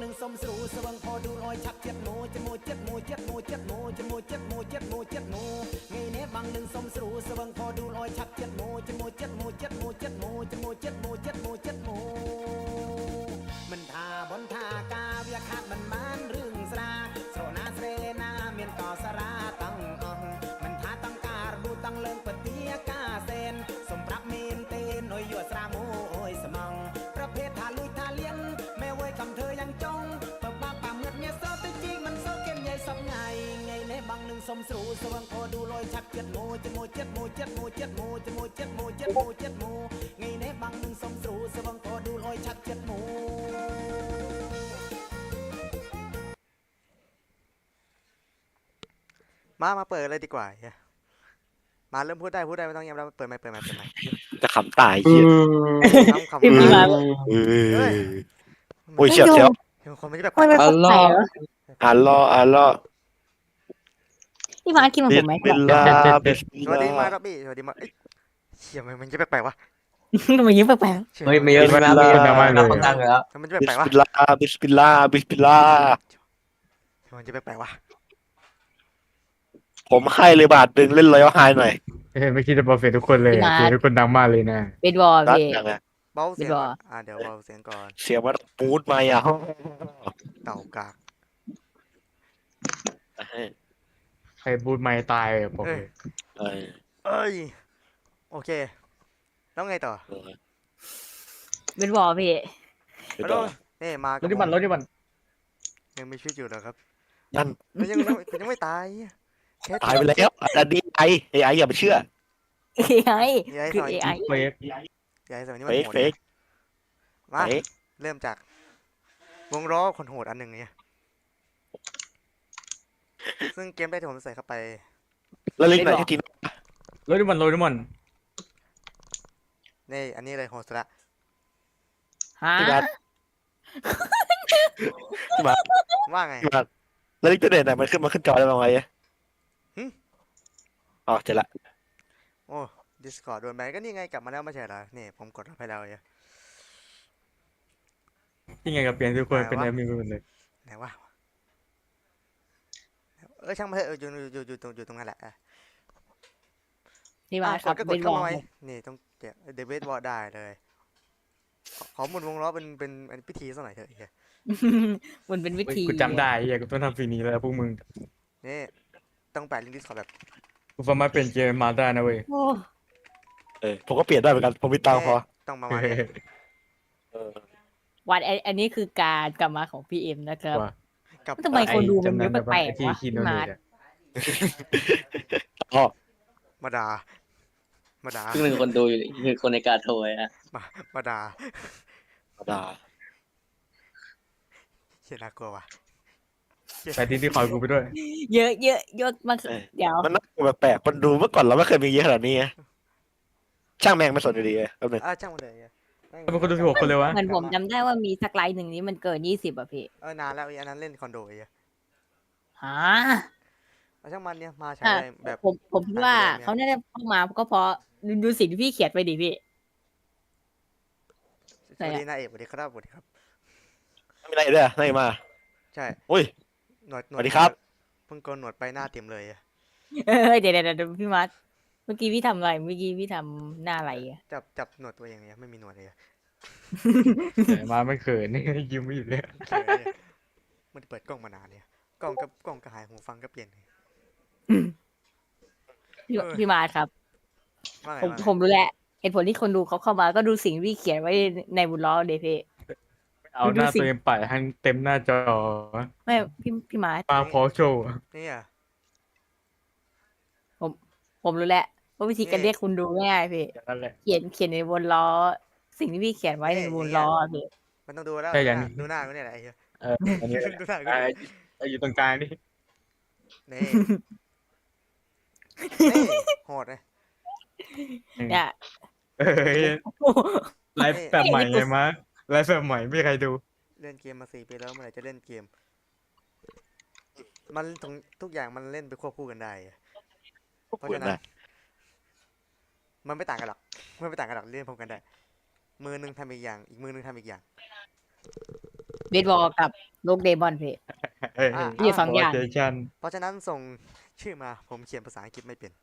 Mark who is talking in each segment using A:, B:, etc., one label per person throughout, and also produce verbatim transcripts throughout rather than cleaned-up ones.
A: หนึ่งสมสู่สว่างพอดูรอยชักเจ็ดโมเจ็ดโมเจ็ดโมเจ็ดโมเจ็ดโมเจ็ดโมเจ็ดโมเจ็ดโมเจ็ดโมไงเน่บางหนึ่งสมสู่สว่างพอดูรอยชักเจ็ดโมเจ็ดโมเจ็ดโมเจ็ดโมเจ็ดโมเจ็ดโมเจ็ดโมเจ็ดโมเจ็ดโมมันทาบนทากาเวียขาดมันมันเรื่องสราโซนาเสนาเมียนต่อสราตั้งองมันทาตั้งการบูตั้งเลิงปฏิยกาเซนสมปรับเมนเตนโอยยัวสราโมโอยสมองประเภททาลุยทาเลียนแม่เว้ยคำเธอยังจงเปิดปากป่าเมื่อเนี่ยโซตจริงมันโซเข้มใหญ่สับไงไงในบางหนึ่งสมสู่สว่างพอดูลอยชักเจ็ดโมเจ็ดโมเจ็ดโมเจ็ดโมเจ็ดโมเจ็ดโมเจ็ดโมเจ็ดโมเจ็ดโมไงในบางหนึ่งสมสู่สว่างพอดูลอยชักเจ็ดโมมามาเปิดเลยดีกว่ามาเริ่มพูดได้พูดได้ไม่ต้องยังเราเปิดไม่เปิดไม่เปิดไม่
B: จะขำตายเหี้ย
A: คำคำมาเฮ้ย
B: โอ้ยเฉียบเฉียบ
A: คนไม่ได้แบบ
C: อัลลอฮ์
B: อัลลอฮ์อัลลอฮ์
C: พี่มาร์คกินของผมไหม
B: บิสมิลลาห์บิสมิล
A: สวัสดีมา
B: ลาห์
A: รับบี้สวัสดีมาเชี่ยมันจะแปลกๆวะ
C: ทำไมยิ้มแปลก
D: เฮ้ยไม่เยอะไม่นะไม่เยอะนะคนดังแล้ว
A: มันจะ
B: บิ
A: แปล
B: ส
A: กๆวะ
B: มิลลาห์บิสมิลลาห์บิสมิลลาห์
A: มันจะแปลกๆวะ
B: ผมให้เลยบาทหนึ่งเล่นรอยัลไฮหน่อย
E: เฮ้ยไม่คิดจะเปอร์เฟกทุกคนเลยอะคือทุกคนดังมากเลยนะ
C: ๆเป็นบอล
B: รัก
C: พี่
B: อย่างเงี้ย
A: เบาเสียงก่อนอ่าเดี๋ยวเบาเสียงก่อน
B: เสียงมันมูดมาอ่ะ
A: เต่ากาก
E: ใครบูทไม่ตายอะบอกเลย
B: เออ
A: เอ้ยโอเคแล้วไงต่อ
C: เป็นบอลพี่
A: แล้วนี่มาร
E: ถที่มันรถที่มัน
A: ยังมีชีวิตอยู่เหรอครับ
B: นั่น
A: มันยังยังไม่ตายแค่
B: ตายไปแล้วอันนี้ไอไอไออย่าไปเชื่อ
C: เอไอคือเอไอ
E: เฟก
A: ยายสมัยนี้
B: เฟ
A: มัน
B: ก
A: โหด
B: เฟก
A: มา
B: เฟก
A: เริ่มจากวงล้อคนโหดอันหนึ่งเนี่ยซึ่งเกมได้ที่ผมใส่เข้าไป
B: แล้วลิงก์ไหนที่ทีม
E: รถที่มันรถที่มัน
A: นี่อันนี้เลยโหดสุดละ
C: ฮะ
B: ที่บ้านที่บ้าน
A: ว่าไง
B: ที่บ้านแล้วลิงก์ตัวเด่นไหนมันขึ้นมาขึ้นจอได้บ้างไหมอ๋อเจ็ดละ
A: โอ้ Discord โดนแบนก็นี่ไงกลับมาแล้วไม่ใช่เหรอนี่ผมกดรับให้แล้วเนี่ย
E: ยังไงกับเปลี่ยนทุกคนเป็นแอดมินไปหมดเลย
A: ไหนวะเออช่างมาเถอะเอออยู่อยู่อยู่ตรงอยู่ตรงนั้นแหละ
C: พี่มาร์คครับ
A: ก็ก
C: เป็
A: ด
C: นบ
A: เข้า
C: อล
A: มาไว้นี่ต้องเดี๋ยวเดวิดวอลได้เลยขอหมุนวงล้อเป็นเป็นพิธีสักหน่อยเถอะเฮีย
C: มันเป็นวิธี
E: กูจำได้เฮียกูต้องทำฟีนี้แล้วพวกมึง
A: นี่ต้องแปะลิงก์ดิสคอร์ดแบบ
E: กูสามารถเปลี่ยนเกมมาได้นะเว้ย
C: โอ้
B: เออผมก็เปลี่ยนได้เหมือนกันผมมีตังค์พอ
A: ต้องประมาณนี้
B: เออ
C: วันอันนี้คือการกลับมาของพี่เอ็มนะครับ
E: ว่า
A: กับ
C: ทำไมคนดูมันเยอะแปลก
E: ที่
C: ๆวะ
E: คีโน
C: พี่
E: เน
C: มาร์ค
E: ตอะ
B: อ๋อ
A: มาดามาดา
D: ครึ่งหนึ่งคนดูอยู่คือคนในการโทรอ่ะ
A: มามาดา
B: ด่า
A: เชี่ยน่ากลัวว่ะ
E: ไปที่ที่คอยกูไปด้วย
C: เยอะเยอะเยอะมากเดี๋ยว
B: มันน่ากลัวแปลกๆมันดูเมื่อก่อนเราไม่เคยมีเยอะขนาดนี้ไงช่างแม่งไม่สนอยู่ดีเลยแป๊บนึง
A: อ่ะช่างมันเลย
E: ทำไมคนดูสิบหกคนเลยวะ
C: เหมือนผมจำได้ว่ามีสักไลน์หนึ่งนี้มันเกินยี่สิบอ่ะพี่
A: เออนานแล้วอันนั้นเล่นคอนโดไอ้
C: ฮะ
A: เอาช่างมันเนี่ยมาใช้
C: อ่ะ
A: แบบ
C: ผมผมคิดว่าเขาน่าจะเข้ามาก็เพราะดูดูสิ่งที่พี่เขียนไปดิพี่
A: สวัสดีนายเอกสวัสดีครับสวัสดีครับ
B: ไม่มีอะไรด้วยไม่มา
A: ใช่
B: อุ้ย
A: หนวดหน
B: ส
A: วด
B: วัสดีครับ
A: เพิ่งโกนหนวดไปหน้าเต็มเลยอะ
C: เออเดี๋ยวเดี๋ยวเดี๋ยวพี่มัดเมื่อกี้พี่ทำอะไรเมื่อกี้พี่ทำหน้าอะไรอ่ะ
A: จับจับหนวดตัวเองเนี่ยไม่มีหนวดเลยอะ
E: แต่มาไม่เขินนี่ยิ้มไม่หยุดเลย
A: เขินเนี่ยไม่ได้เปิดกล้องมานานเนี่ยกล้องกับกล้องก็หายหูฟังก็เปลี่ยนเลย
C: พี่
A: เออ
C: พี่มาดครับ
A: ว่าไง
C: ผม
A: ว่าไง
C: ผมรู้แหละเหตุผลที่คนดูเขาเข้ามาก็ดูสิ่งที่พี่เขียนไว้ในบุญล้อเดพี่
E: เอาหน้าตัวเองปัดให้เต็มหน้าจอ
C: ไม่พี่พี่มาด
E: ปาพอโชว์
A: นี่อะ
C: ผมรู้แหละว่าวิธีการเรียกคุณดูง่ายๆพี่
E: อย่างนั้นแหละ
C: เขียนเขียนในบนล้อ สิ่งที่พี่เขียนไว้ในบนล้อพี่
A: มันต้องดูแล้ว
E: ใช่อย่าง
A: ดูหน้ากูเนี่ยแหละไอ้เหี้ย
E: เอออันนี้
A: ดูหน้ากู
E: อ่า
A: เนี่ย
E: อ่าอยู่ตรงกลางนี่
A: นี่นี่โหดเลย
C: เนี่ย
E: เอ้ยไลฟ์แบบใหม่ไงมะไลฟ์แบบใหม่ไม่มีใครดู
A: เล่นเกมมาสี่ปีแล้วเมื่อไหร่จะเล่นเกม มันทุกทุกอย่างมันเล่นไปควบคู่กันได้อะเพราะฉะนั้น มันไม่ต่างกันหรอกมันไม่ต่างกันหรอกเล่นพร้อมกันได้ มือหนึงทำอีกอย่าง อีกมือหนึงทำอีกอย่าง
C: เบสบอลกับโลกเดมอนพี่
E: เอ้ย
F: อ่ะ
C: มีสองอย่าง
E: สชัน
F: เพราะฉะนั้นส่งชื่อมาผมเขียนภาษาอังกฤษไม่เป็น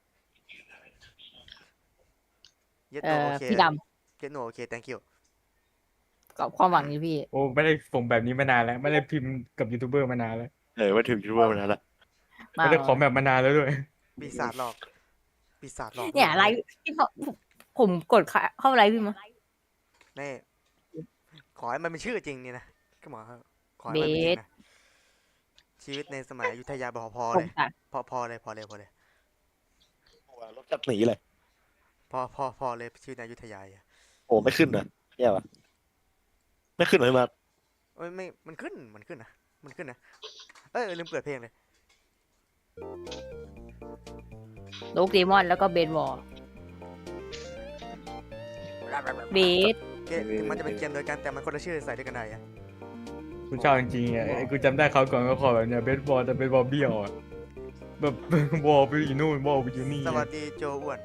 F: เยส
C: เอ่
F: โน
C: อ
F: โอเค
C: พี่ด
F: เยสโนโอเค thank you
C: ำกับความหวังอยู่พี่
E: โอ้ไม่ได้ส่งแบบนี้มานานแล้ว ไม่ได้พิมพ์กับยูทูบเบอร์มานานแล้ว
B: เออว่าถึงยูทูบเบอร์มานานละ
C: มา
E: ไม่ได้ขอแบบมานานแล้วด้วย
F: ปีศาจหลอกปีศาจหลอก
C: เนี่ยไลฟ์ที่เขาผมกดเข้าไลฟ์พี่มั้ย
F: นี่ขอให้มันเป็นชื่อจริงนี่นะก็หมอขอให้มันเป็นจริงนะชีวิตในสมัยอยุธยาพอพอ
C: ผ
F: เล
C: ม
F: ย
C: ตัด
F: พอพอเลยพอเลยพอเลย
B: รถจัดหนีเลย
F: พอพอพอเลยชีวิตในอยุธยาอ่ะ
B: โอ้ไม่ขึ้นนะแย่ว่ะไม่ขึ้นเลยมา
F: เอ้ยไม่มันขึ้นมันขึ้นนะมันขึ้นนะเอ้ยลืมเปิดเพลงเลย
C: โลกเดมอนแล้วก็เบสบอลเบส
F: เกมถึงมันจะเป็นเกมเดียวกันแต่มันคนละชื่อใส่ด้วยกันได้อะ
E: กูชอบจริงๆอ่ะไอ้กูจำได้เขาวก่อนก็ขอแบบเนี้ยเบสบอลแต่เบสบอลเบี้ยวอ่ะแบบ บอลไปอยู่นู่นบอลไปอยู่นี่
F: สวัสดีโจอ้วน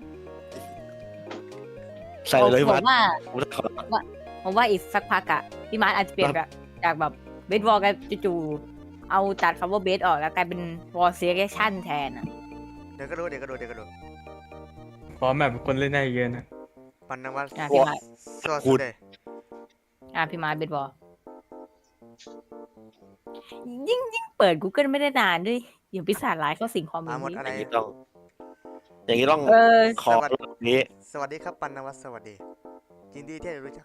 B: ใส่เลย
C: ผ
B: มาม
C: ว่า
B: ผมจะขอ
C: ผมว่าอีกสักพักอะพี่มาร์ทอาจจะเปลี่ยนแบบจากแบบเบสบอลกันจู่ๆเอาตัดคำว่าเบสออกแล้วกลายเป็นวอลเซเลชั่นแทนอะ
F: เดี๋ยวก็รู้เดี๋ยวก็รู้เดี๋ยวก็รู้
E: พร้อมแบบคนเล่นได้เยอะนะ
F: ปันนวัต
C: อ่ะพี่มาร์ท
F: สวัสดีเลย
C: อ่ะพี่มาร์ทเบสบอลยิ่งยิ่งเปิด Google ไม่ได้นานด้วยเดี๋ยวปีศาจร้ายเข้าสิงความ
F: มาหมด
C: นี้
F: อะไร
B: อย่างนี้ต้อง อย่างนี้ต้อง
C: เออ
B: ขอแบบนี้
F: สวัสดีครับปันนวัตสวัสดียินดีที่ได้รู้จัก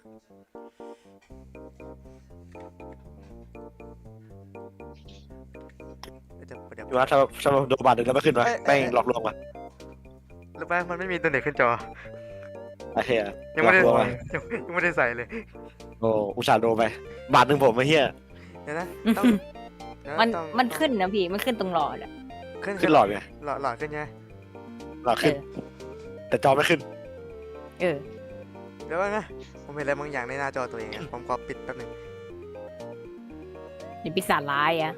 F: เดี๋ยวเดี๋ยว
B: พี่ว่าถ้าถ้าโดนบาดหนึ่งแล้วไม่ขึ้นวะแม่งหลอกลวงวะ
F: รู้ป่ะมันไม่มีตัวเด็กขึ้นจอ
B: ไอ้เหี้ย
F: ยังไม่ได้
B: หลอกลวงวะ
F: ยังยังไม่ได้ใส่เลย
B: โอ้อุตส่าห์โดนไป บาทหนึ่งผมไอ้เหี้ย
F: เดี๋ยวนะต้องเดี๋ยวะ
C: มัน
F: ต้อง
C: มันขึ้นนะพี่มันขึ้นตรงหลอดอะ
F: ขึ้น
B: ขึ้นหลอดไง
F: หลอดหลอดขึ้นไง
B: หลอดขึ้น แต่จอไม่ขึ้น
C: เออ
F: เดี๋ยวก่อนนะผมเห็นอะไรบางอย่างในหน้าจอตัวเองอะผมขอปิดแป๊บหนึง
C: เดี๋ยวปีศาจร้ายอะ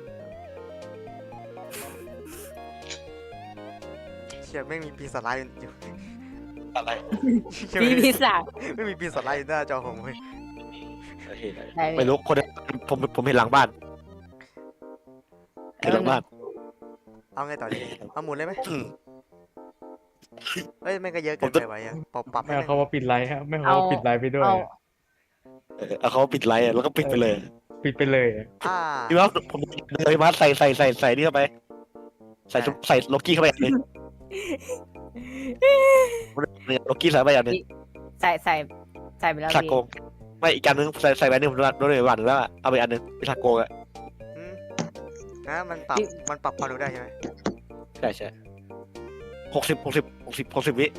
F: เชี่ยไม่งมีปีศาจร้ายอยู่
B: อะไร
F: เชี่ย
C: พี่
F: ไม่มี
C: ปีศาจ
F: ไม่มีปีศาจร้ายอยู่หน้าจอผมเลย
C: ได้
B: ไม่รู้คนผมผมเห็นหลังบ้านเห็นหลังบ้าน
F: เอาไงต่อดีเอาหมุนเลยไหม
B: อืม
F: เอ้ยไม่งก็เยอะเกิน
B: ผมจะ
F: ไปไว้อะปรับปรับ
E: ไม่
F: ให้
E: เอา
F: แม่ง
E: เขาว่าปิดไลฟ์ครับไม่เอาเขาว่าปิดไลฟ์ไปด้วย
C: เอา
B: เออเอาเขาปิดไลน์อะแล้วก็ปิดไปเลย
E: ปิดไปเลยอะ
F: อ่า
B: พี่ว่าผมเลยมาใส่ใส่ใส่ใส่นี่เข้าไป ใส่ใส่ล็อกกี้เข้าไปอย่างหนึงเนี่ยล็อกกี้ใส่ไปอย่างหนึง
C: ใส่ใส่ใส่ไปแล้ว
B: ชา
C: พี่
B: โกงไม่อีกอันนึงใส่ใส่ไปหนึ่งผมโดนเลยวันแล้วอะเอาไปอันนึงเป็นชาโกงอะ
F: อืมนะมันปรับมันปรับความเร็วได้ใช่ไหม
B: ใช่ใช่หกสิบหกสิบหกสิบหกสิบวิ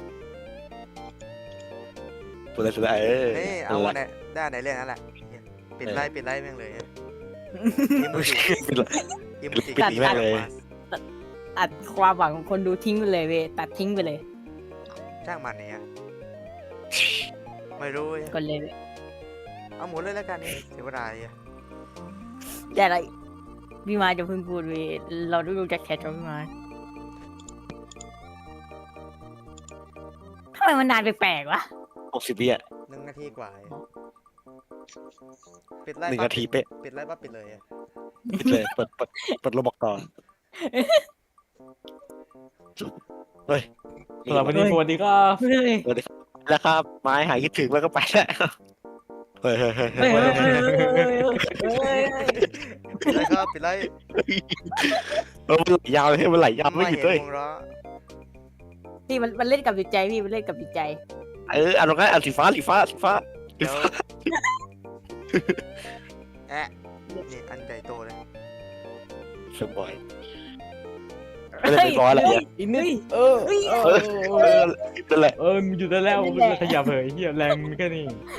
B: สุดเลยสุดเลยเออ
F: นี่เอาวันไหนได้อันไหนเล่นนั่นแหละปิดไล่ปิดไล่แม่งเลยอิมูจิ
B: ปิดเลย
F: อิมูจิ
B: ปิดหนีแม่งเลย
C: ตัดความหวังของคนดูทิ้งไปเลยเว้ยตัดทิ้งไปเลย
F: ช่างมันเนี่ยไม่รู้เว้ย
C: กดเลยเว้ย
F: เอาหมุนเลยแล้วกันนี่เสียเวลาอ่ะ
C: แต่อะไรพี่มาจะเพิ่งพูดเว้ยเราต้องดูจากแชทของพี่มาทำไมมันนานแปลกๆวะ
B: หกสิบวิอะ
F: หนึ่งนาทีกว่าเองปิดไล่
B: หนึ่ง
F: ปั๊บ
B: นาทีเป๊ะ
F: ปิดไล่ปั๊บปิดเลยอะ
B: ปิดเลยเปิดเปิดเปิดโรบอกต่อเฮ้ย
E: สำหรับวันนี้สวัสดีครับ
C: เฮ้ย
B: แล้วครับไม้หายคิดถึงแล้วก็ไปแล้วเฮ้ยเฮ้ยเฮ้ย
C: เฮ้ย
B: เฮ้ย
C: เฮ้ยเฮ้ยเฮ้ย
F: ปิดไล่ครับปิดไล่
B: เออมันไหลยาวเลยมันไหลยาวไม่หยุด
F: เห็
B: เลย
F: นวงล้อ
C: พี่มันมันเล่นกับจิตใจพี่มันเล่นกับจิตใจ
B: เออเอาลงกันเอาสีฟ้าสีฟ้าสีฟ้า
F: เดี๋ยวแอะนี่อันใหญ่โตเลย
B: สบอยไม่ได้เป็นร้อยอะไรเนี่ย
E: อีกนิดเออ
C: เฮ้ย
E: เอ
B: เอ
E: อ
B: อเออนั่นแหละ
E: เออมันอยู่ได้แล้วมันจะขยับเหยเฮียแรงมันแค่นี้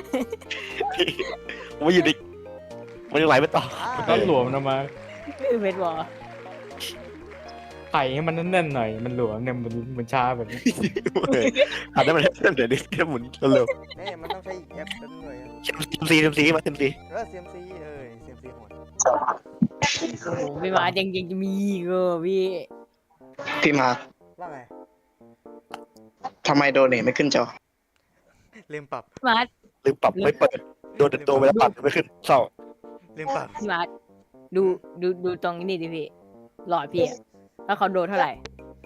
B: มันอยู่ดิมันยังไหลไม่ต่อ
E: ก็หลวมนะมา
C: เวทบอล
E: ไข่ให้มันแน่นๆหน่อยมันหลวมเนี่ยมันมันช้าแบบนี้
B: อันนั้นมันเดี๋ยวนี้แค่หมุนเร็ว
F: นี่มันต้องใช้อีกแอปนั้นด้วยอะ
B: ๆเซมซีเซมซีมาเซมซี
F: เออ ซี เอ็ม ซี เออ ซี เอ็ม ซี โหด
C: โอ้โหพี่มายังยังจะมีอีกเออพี่
G: พี่มาร์ค
F: ว่าไง
G: ทำไมโดเนทไม่ขึ้นจอ
F: ลืมปรับ
C: มา
B: ลืมปรับไม่เปิดโดนโดนไปแล้วปรับไม่ขึ้นเศร้า
F: ลืมปรับ
C: พี่มาร์ทดูดูดูตรงนี้ดิพี่หลอดพี่อะแล้วเขาโดนเท่าไหร่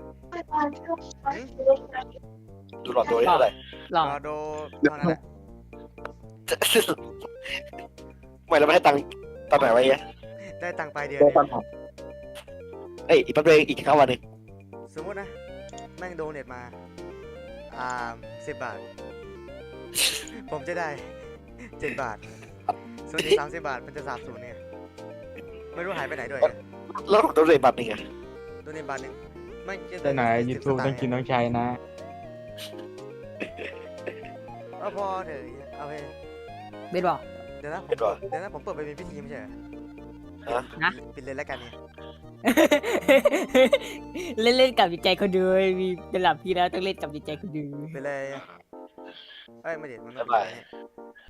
B: ดูหลอดตัวนี้เท่าไหร่
C: หลอด
F: รอโดเท่านั้นแหละ
B: ไม่เราไม่ให้ตังค์ตอนไหนไว้เนี่ย
F: ได้ตังค์ปลายเดือน
G: โด
F: เนี่ย
G: ปัญหา
B: เอ้ยอีกแป๊บเดียวอีกแค่วันหนึ่ง
F: สมมตินะ แม่งโดเน็ตมา อ่าสิบบาท ผมจะได้เจ็ดบาท ส่วนอีกสามสิบบาทมันจะสาบสูญเนี่ย ไม่รู้หายไปไหนด้วยเนี่ย
B: แล้วผมต้องเลยบัตรหนึ่งอะ
F: โดเน็ตบาทหนึ่งไม่จะ
E: แต่ไหนยูทูบต้องกินต้องใช้นะ
F: เอาพอเถอะเอาไป
C: เบสบอก
F: เดี๋ยวนะผม
B: เห็นป่ะ
F: เดี๋ยวนะผมเปิดไปเป็นพิธีไม่ใช่เหรอ
B: ฮะ
C: นะ
F: ปิดเลยแล้วกันเนี่ย
C: เล่นเล่นกับจิตใจคนดูมีระดับพี่แล้วต้องเล่นกับจิตใจคนดู
F: ไปเลยเอ้ยไม่เด็ดมันไม่
B: บ๊ายบาย
F: ปิดเลยเนี่ย